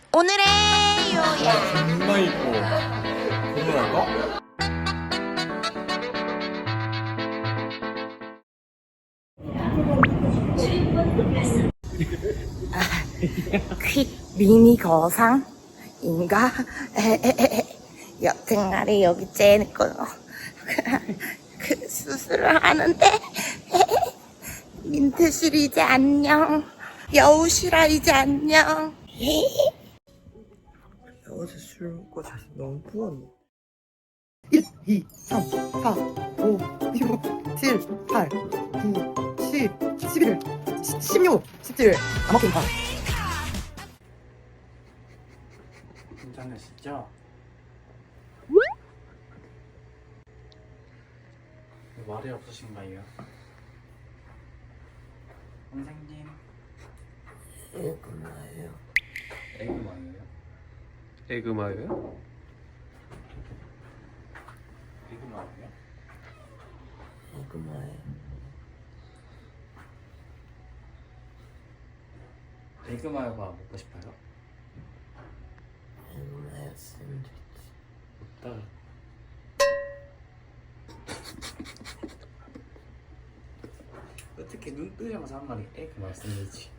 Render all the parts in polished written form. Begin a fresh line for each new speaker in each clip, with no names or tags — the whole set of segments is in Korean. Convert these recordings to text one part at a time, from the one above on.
오늘의 요약.
존나 이뻐. 고민할까?
퀵 미니 거상인가? 여튼간에 여기 째놓고 그 수술을 하는데 민트실이지 안녕. 여우실아이지 안녕.
어제 술 먹고 자서 너무 부었네. 1, 2, 3, 4, 5, 6, 7, 8, 9, 10, 11, 16, 17. 안 먹힌다.
괜찮으시죠? 말이 없으신가요? 선생님
에그마예요.
에그마예요?
에그마요요?
에그마예요?
에그마예요.
에그마요가 먹고 싶어요?
에그마요 샌드위치.
없다. 어떻게 눈 뜨자마자 한 마리 에그마요 샌드위치.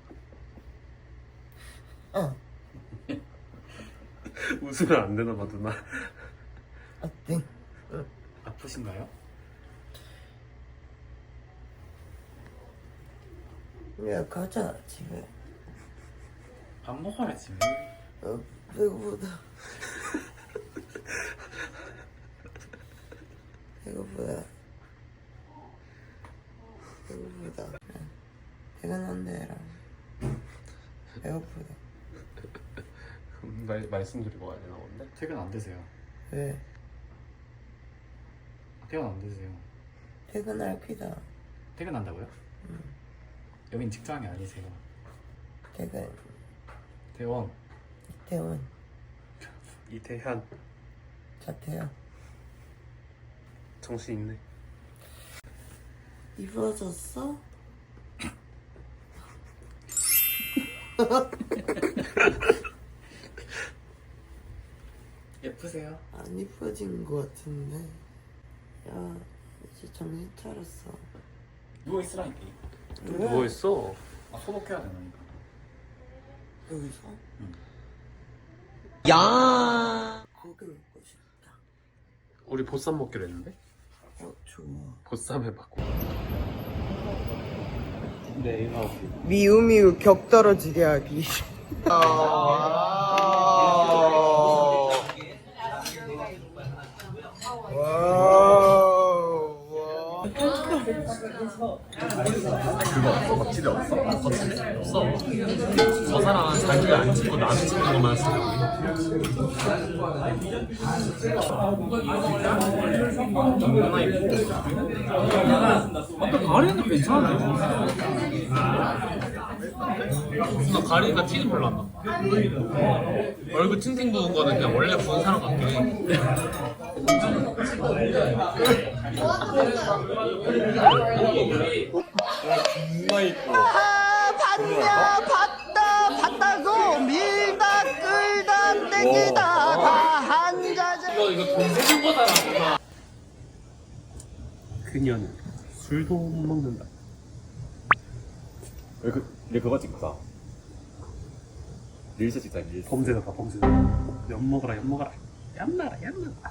웃으면 안 되나 봐 누나.
아, 땡.
아프신가요?
야, 가자, 집에.
밥 먹어야지.
배고프다. 배고프다. 배고프다. 퇴근한대라. 배고프다.
말씀드리고 가야 되나 본데?
퇴근 안 되세요?
왜?
퇴근 안 되세요?
퇴근할 피다.
퇴근한다고요? 여긴 직장이 아니세요.
퇴근.
대원.
퇴원.
이태현
자퇴야.
정신 있네.
이뻐졌어?
예쁘세요?
안 이뻐진 것 같은데. 야, 이제 정신 차렸어.
누워 있으라니까.
누워있어.
아, 소독해야 되나니까.
여기서?
응.
야! 고기 먹고 싶다.
우리 보쌈 먹기로 했는데?
좋아.
보쌈 해봤고. 네 이거
미우미우 격 떨어지게 하기.
그거 거칠이 없어? 없어. 저 사람은 자기가 안 찍고 나는 찍는 것만
아까 가리는 괜찮은데?
나 가리니까 티는 별로 안 나. 얼굴 팅팅 부은 거는 그냥 원래 부은 사람 같긴 해.
존나 이뻐.
봤다고 밀다 끌다 땡기다 다 한자재.
이거 돈 세는 거잖아. 그녀는 술도 못 먹는다.
내 그거 찍자. 릴스 찍자, 릴스.
범죄다 범죄다. 엿 먹어라 엿 먹어라. 얌나라 얌나라.